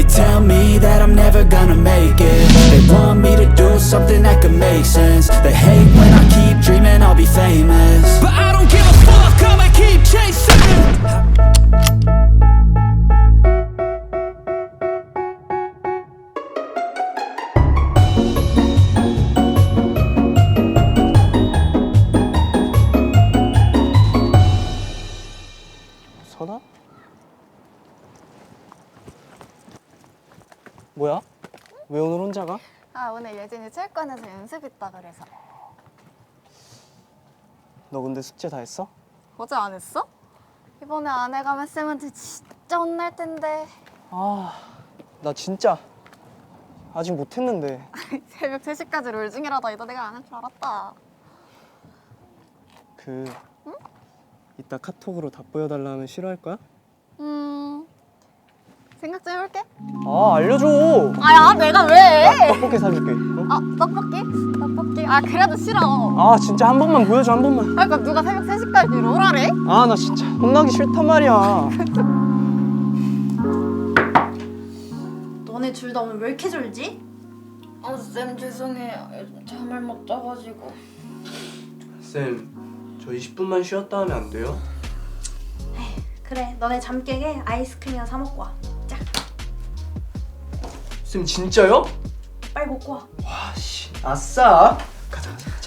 They tell me that I'm never gonna make it. They want me to do something that could make sense. They hate when I keep dreaming I'll be famous, but I don't give a fuck, I'ma keep chasing. 선아? 뭐야? 왜 오늘 혼자 가? 아, 오늘 예진이 체육관에서 연습 있다 그래서. 너 근데 숙제 다 했어? 어제 안 했어? 이번에 안 해가면 쌤한테 진짜 혼날 텐데. 아, 나 진짜 아직 못했는데. 새벽 3시까지 롤 중이라다 이거 내가 안 할 줄 알았다. 응? 이따 카톡으로 답보여달라 하면 싫어할 거야? 생각 좀 해볼게. 아, 알려줘! 아야, 내가 왜? 떡볶이 사줄게. 어? 아, 떡볶이? 떡볶이? 아, 그래도 싫어. 아, 진짜 한 번만 보여줘, 한 번만. 그러니까 누가 새벽 3시까지 롤하래? 아, 나 진짜 혼나기 싫단 말이야. 너네 둘 다 오늘 왜 이렇게 졸지? 아, 쌤 죄송해요. 요즘 잠을 못 자가지고. 쌤, 저 20분만 쉬었다 하면 안 돼요? 그래, 너네 잠 깨게 아이스크림이나 사 먹고 와. 자, 쌤, 진짜요? 빨리 먹고 와. 와, 씨. 아싸! 가자.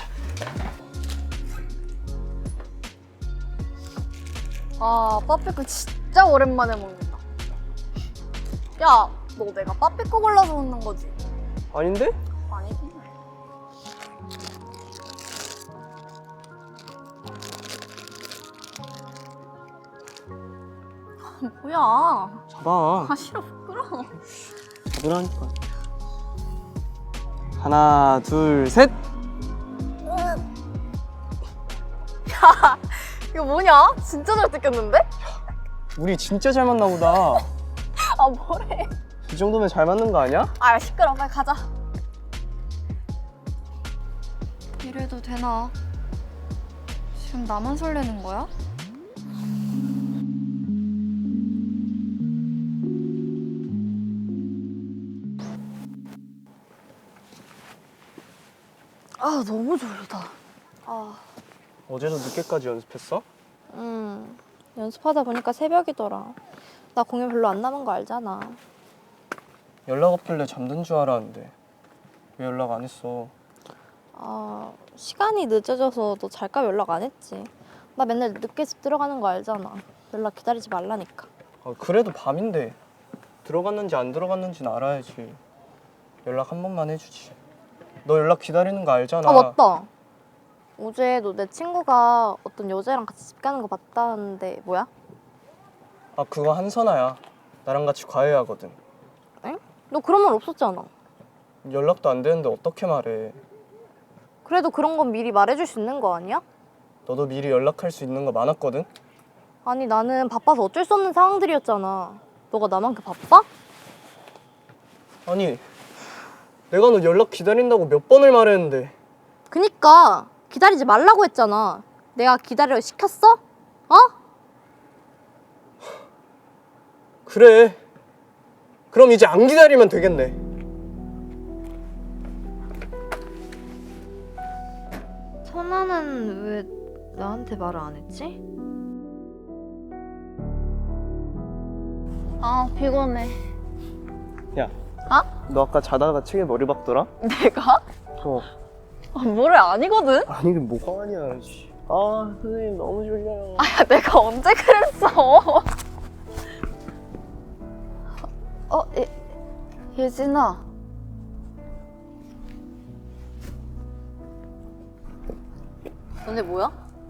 아, 빠삐코 진짜 오랜만에 먹는다. 야, 너 내가 빠삐코 골라서 먹는 거지? 아닌데? 아니긴 해. 뭐야? 잡아. 아, 싫어, 부끄러워. 잡으라니까. 하나, 둘, 셋! 이거 뭐냐? 진짜 잘 뜯겼는데? 우리 진짜 잘 맞나 보다. 아, 뭐래? 이 정도면 잘 맞는 거 아니야? 아, 시끄러워. 빨리 가자. 이래도 되나? 지금 나만 설레는 거야? 아, 너무 졸리다. 아, 어제도 늦게까지 연습했어? 연습하다 보니까 새벽이더라. 나 공연 별로 안 남은 거 알잖아. 연락 없길래 잠든 줄 알았는데 왜 연락 안 했어? 아, 시간이 늦어져서 너 잘까 연락 안 했지. 나 맨날 늦게 집 들어가는 거 알잖아. 연락 기다리지 말라니까. 아, 그래도 밤인데 들어갔는지 안 들어갔는지는 알아야지. 연락 한 번만 해주지. 너 연락 기다리는 거 알잖아. 아, 맞다. 어제 너 내 친구가 어떤 여자랑 같이 집 가는 거 봤다는데 뭐야? 아, 그거 한선아야. 나랑 같이 과외하거든. 응? 너 그런 말 없었잖아. 연락도 안 되는데 어떻게 말해. 그래도 그런 건 미리 말해줄 수 있는 거 아니야? 너도 미리 연락할 수 있는 거 많았거든? 아니, 나는 바빠서 어쩔 수 없는 상황들이었잖아. 너가 나만큼 바빠? 아니, 내가 너 연락 기다린다고 몇 번을 말했는데. 그니까 기다리지 말라고 했잖아. 내가 기다려 시켰어? 어? 그래. 그럼 이제 안 기다리면 되겠네. 선아는 왜 나한테 말을 안 했지? 아, 피곤해. 야, 어? 너 아까 자다가 책에 머리 박더라? 내가? 어. 아, 뭐래, 아니거든? 아니, 이게 뭐가 아니야. 씨. 아, 선생님 너무 졸려요. 아, 야, 내가 언제 그랬어? 예진아. 너네 뭐야?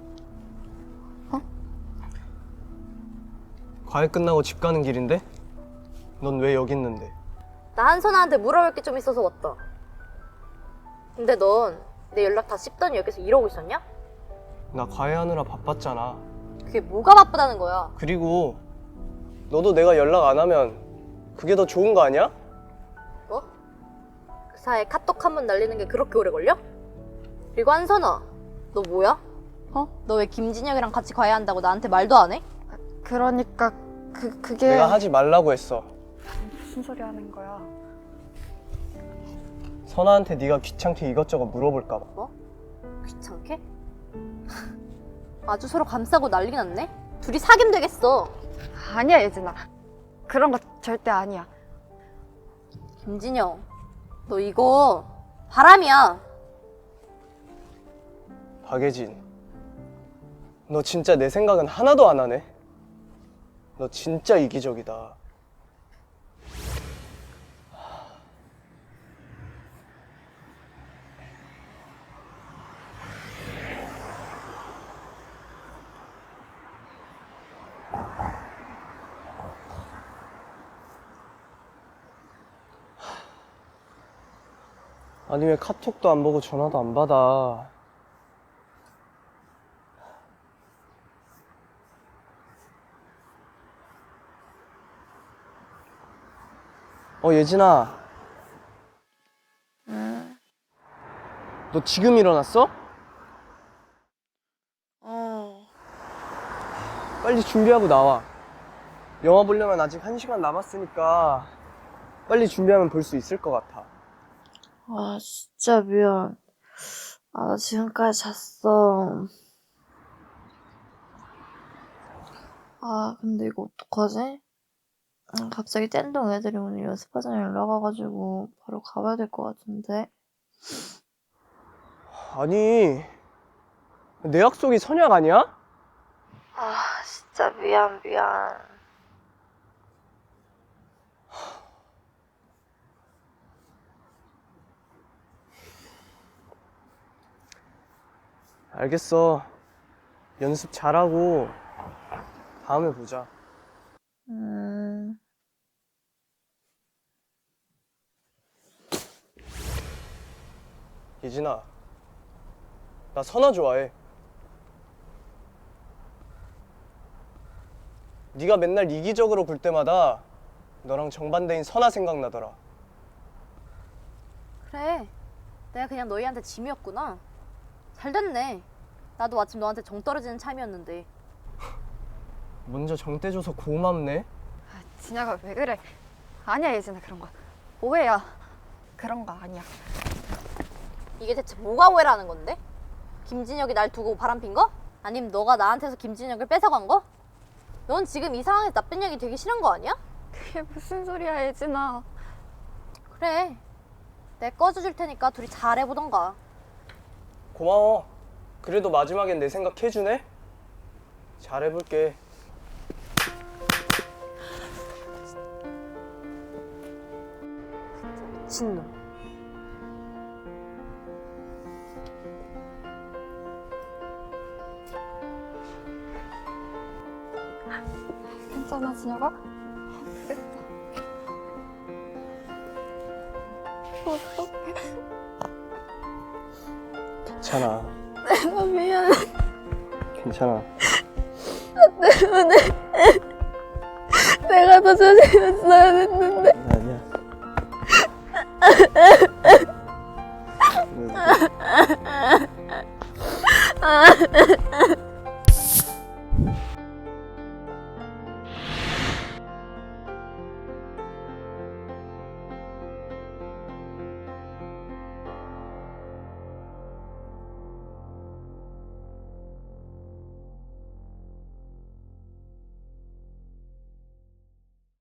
과외 끝나고 집 가는 길인데? 넌 왜 여기 있는데? 나 한선아한테 물어볼 게 좀 있어서 왔다. 근데 넌 내 연락 다 씹더니 여기서 이러고 있었냐? 나 과외하느라 바빴잖아. 그게 뭐가 바쁘다는 거야? 그리고 너도 내가 연락 안 하면 그게 더 좋은 거 아니야? 뭐? 그 사이에 카톡 한 번 날리는 게 그렇게 오래 걸려? 그리고 한선아, 너 뭐야? 어? 너 왜 김진혁이랑 같이 과외한다고 나한테 말도 안 해? 그러니까 그게 내가 하지 말라고 했어. 무슨 소리 하는 거야? 선아한테 네가 귀찮게 이것저것 물어볼까 봐. 뭐? 귀찮게? 아주 서로 감싸고 난리 났네? 둘이 사귀면 되겠어. 아니야, 예진아. 그런 거 절대 아니야. 김진영, 너 이거 바람이야. 박예진, 너 진짜 내 생각은 하나도 안 하네. 너 진짜 이기적이다. 아니 왜 카톡도 안 보고 전화도 안 받아? 예진아. 응. 너 지금 일어났어? 빨리 준비하고 나와. 영화 보려면 아직 1시간 남았으니까 빨리 준비하면 볼 수 있을 것 같아. 아, 진짜 미안. 아, 나 지금까지 잤어. 아, 근데 이거 어떡하지? 갑자기 뗀동 애들이 오늘 연습하자는 연락 와가지고 바로 가봐야 될 것 같은데. 아니, 내 약속이 선약 아니야? 아, 진짜 미안. 알겠어. 연습 잘하고 다음에 보자. 예진아, 나 선아 좋아해. 네가 맨날 이기적으로 굴 때마다 너랑 정반대인 선아 생각나더라. 그래, 내가 그냥 너희한테 짐이었구나. 잘 됐네. 나도 마침 너한테 정 떨어지는 참이었는데. 먼저 정떼줘서 고맙네. 아, 진혁아, 왜 그래? 아니야, 예진아, 그런 거. 오해야. 그런 거 아니야. 이게 대체 뭐가 오해라는 건데? 김진혁이 날 두고 바람핀 거? 아니면 너가 나한테서 김진혁을 뺏어간 거? 넌 지금 이 상황에서 나쁜 얘기 되기 싫은 거 아니야? 그게 무슨 소리야, 예진아. 그래, 내가 꺼져줄 테니까 둘이 잘해보던가. 고마워. 그래도 마지막엔 내 생각 해주네? 잘해볼게. 미친놈. 괜찮아, 진혁아? 어떡해. 괜찮아. 내가 미안해. 괜찮아. 내가 더 조심했어야 했는데.